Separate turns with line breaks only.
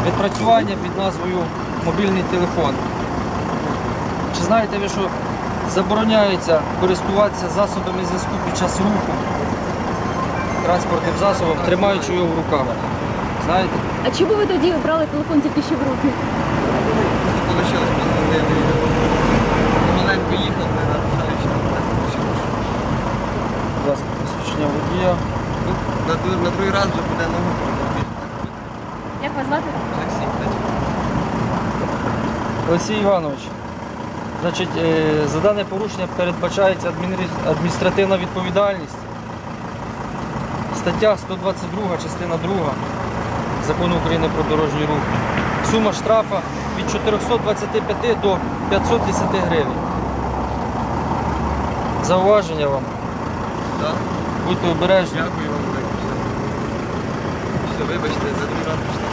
відпрацювання під назвою мобільний телефон. Чи знаєте ви, що забороняється користуватися засобами зв'язку під час руху транспортним засобом, тримаючи його в руках? Знаєте?
А чому ви тоді брали телефон тільки ще в руки?
Просто вийшло позвонити. Маленько їхав, не нарушаючи.
Будь ласка, посвідчення водія.
На другий раз вже буде ногу пробувати.
Як вас звати?
Олексій, кстати.
Олексій Іванович, значить, за дане порушення передбачається адміністративна відповідальність. Стаття 122, частина 2 Закону України про дорожній рух. Сума штрафа від 425 до 510 гривень. Зауваження вам.
Так?
Будьте обережні.
Дякую вам. Все, вибачте, за другий раз.